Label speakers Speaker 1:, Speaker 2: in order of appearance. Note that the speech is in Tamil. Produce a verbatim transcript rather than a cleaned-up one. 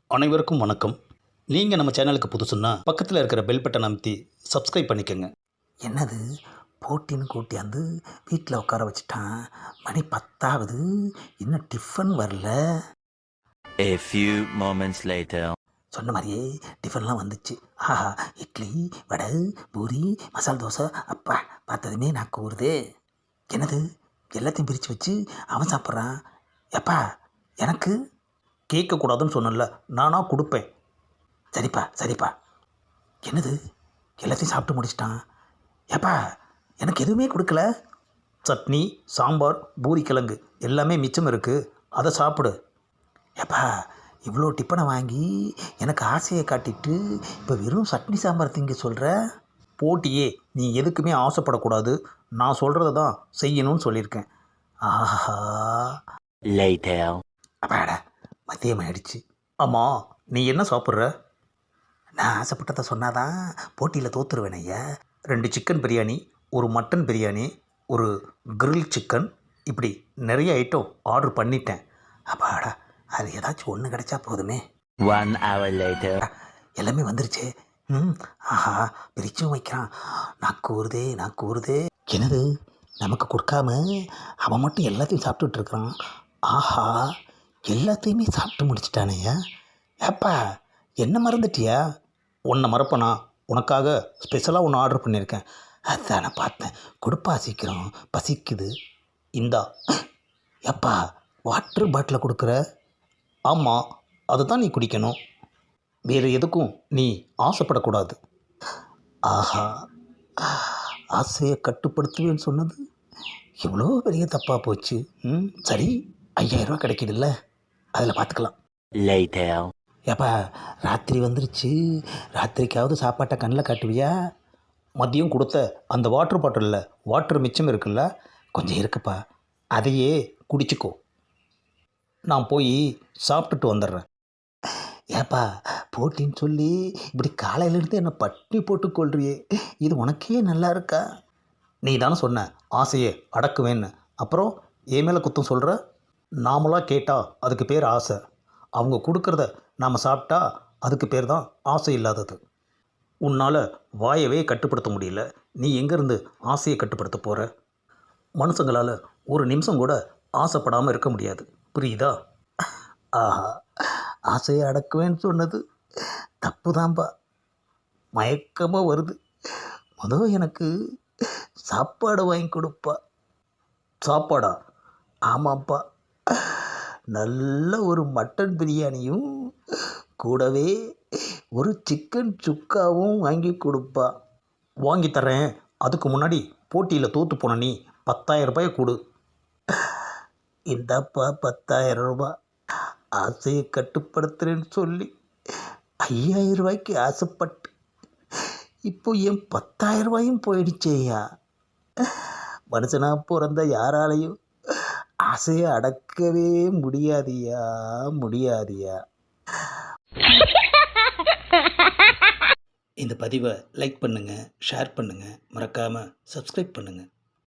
Speaker 1: அனைவருக்கும் வணக்கம். நீங்கள் நம்ம சேனலுக்கு புதுசுன்னா பக்கத்தில் இருக்கிற பெல் பட்டன் அமைத்தி சப்ஸ்கிரைப் பண்ணிக்கோங்க.
Speaker 2: என்னது போட்டின்னு கூட்டியாந்து வீட்டில் உட்கார வச்சுட்டான். மணி பத்தாவது, இன்னும் டிஃபன் வரல.
Speaker 3: A few moments later.
Speaker 2: சொன்ன மாதிரியே டிஃபன்லாம் வந்துச்சு. ஆஹா, இட்லி, வடை, பூரி, மசால் தோசை. அப்பா, பார்த்ததுமே நான் கூறுதே. என்னது எல்லாத்தையும் பிரித்து வச்சு அவன் சாப்பிட்றான். எப்பா எனக்கு
Speaker 1: கேட்கக்கூடாதுன்னு சொன்னல, நானாக கொடுப்பேன்.
Speaker 2: சரிப்பா சரிப்பா. என்னது எல்லாத்தையும் சாப்பிட்டு முடிச்சிட்டான். ஏப்பா எனக்கு எதுவுமே கொடுக்கல.
Speaker 1: சட்னி, சாம்பார், பூரி கிழங்கு எல்லாமே மிச்சம் இருக்குது, அதை சாப்பிடு.
Speaker 2: ஏப்பா இவ்வளோ டிப்பனை வாங்கி எனக்கு ஆசையை காட்டிட்டு இப்போ வெறும் சட்னி சாம்பார் திங்க சொல்கிற.
Speaker 1: போட்டியே நீ எதுக்குமே ஆசைப்படக்கூடாது, நான் சொல்கிறத தான் செய்யணும்னு சொல்லியிருக்கேன்.
Speaker 2: ஆஹா,
Speaker 3: Later.
Speaker 2: அப்பாடா மதியம் ஆயிடுச்சு.
Speaker 1: ஆமாம், நீ என்ன சாப்பிட்ற?
Speaker 2: நான் ஆசைப்பட்டதை சொன்னாதான் போட்டியில் தோற்றுருவேன் ஐயா.
Speaker 1: ரெண்டு சிக்கன் பிரியாணி, ஒரு மட்டன் பிரியாணி, ஒரு கிரில் சிக்கன், இப்படி நிறைய ஐட்டம் ஆர்டர் பண்ணிட்டேன்.
Speaker 2: அப்பாடா, அது ஏதாச்சும் ஒன்று கிடைச்சா போதுமே.
Speaker 3: One hour later.
Speaker 2: எல்லாமே வந்துருச்சு. ம், ஆஹா, பிரிச்சும் வைக்கிறான். நான் கூறுதே நான் கூறுதே. என்னது நமக்கு கொடுக்காம அவன் மட்டும் எல்லாத்தையும் சாப்பிட்டுட்டு இருக்கிறான். ஆஹா, எல்லாத்தையுமே சாப்பிட்டு முடிச்சிட்டானேயா. ஏப்பா என்ன மறந்துட்டியா?
Speaker 1: உன்னை மறப்பனா? உனக்காக ஸ்பெஷலாக ஒன்று ஆர்டர் பண்ணியிருக்கேன்.
Speaker 2: அதான் நான் பார்த்தேன். கொடுப்பா சீக்கிரம், பசிக்குது.
Speaker 1: இந்தா.
Speaker 2: ஏப்பா வாட்டர் பாட்டிலை கொடுக்குற.
Speaker 1: ஆமாம், அதை தான் நீ குடிக்கணும், வேறு எதுக்கும் நீ ஆசைப்படக்கூடாது.
Speaker 2: ஆஹா, ஆசையை கட்டுப்படுத்துவேன்னு சொன்னது இவ்வளோ பெரிய தப்பாக போச்சு. ம், சரி, ஐயாயிரரூவா கிடைக்கிதுல்ல, அதில் பார்த்துக்கலாம்.
Speaker 3: Later.
Speaker 2: ஏப்பா ராத்திரி வந்துருச்சு, ராத்திரிக்காவது சாப்பாட்டை கண்ணில் காட்டுவியா?
Speaker 1: மதியம் கொடுத்த அந்த வாட்டர் பாட்டிலில் வாட்டர் மிச்சம் இருக்குல்ல,
Speaker 2: கொஞ்சம் இருக்குப்பா.
Speaker 1: அதையே குடிச்சிக்கோ. நான் போய் சாப்பிட்டுட்டு வந்துடுறேன்.
Speaker 2: ஏப்பா போட்டின்னு சொல்லி இப்படி காலையிலேருந்து என்னை பட்டி போட்டு கொள்றியே, இது உனக்கே நல்லா இருக்கா?
Speaker 1: நீ தானே சொன்ன ஆசையை அடக்குவேன்னு, அப்புறம் என் மேலே குத்தம் சொல்கிற? நாமளாக கேட்டால் அதுக்கு பேர் ஆசை, அவங்க கொடுக்குறத நாம் சாப்பிட்டா அதுக்கு பேர் தான் ஆசை இல்லாதது. உன்னால் வாயவே கட்டுப்படுத்த முடியல, நீ எங்கேருந்து ஆசையை கட்டுப்படுத்த போகிற? மனுஷங்களால் ஒரு நிமிஷம் கூட ஆசைப்படாமல் இருக்க முடியாது, புரியுதா?
Speaker 2: ஆஹா, ஆசையை அடக்குவேன்னு சொன்னது தப்பு தான்ப்பா. மயக்கமாக வருது. முதல் எனக்கு சாப்பாடு வாங்கி கொடுப்பா.
Speaker 1: சாப்பாடா?
Speaker 2: ஆமாப்பா, நல்ல ஒரு மட்டன் பிரியாணியும் கூடவே ஒரு சிக்கன் சுக்காவும் வாங்கி கொடுப்பா.
Speaker 1: வாங்கி தரேன், அதுக்கு முன்னாடி போட்டியில் தோற்று போன நீ பத்தாயிரம் ரூபாயை கொடு.
Speaker 2: இந்தப்பா பத்தாயிரம் ரூபாய். ஆசையை கட்டுப்படுத்துறேன்னு சொல்லி ஐயாயிரம் ரூபாய்க்கு ஆசைப்பட்டு இப்போ என் பத்தாயிரம் ரூபாயும் போயிடுச்சேயா. மனுஷனாக பிறந்த யாராலையும் ஆசையை அடக்கவே முடியாதியா முடியாதியா.
Speaker 1: இந்த பதிவை லைக் பண்ணுங்கள், ஷேர் பண்ணுங்கள், மறக்காமல் சப்ஸ்கிரைப் பண்ணுங்கள்.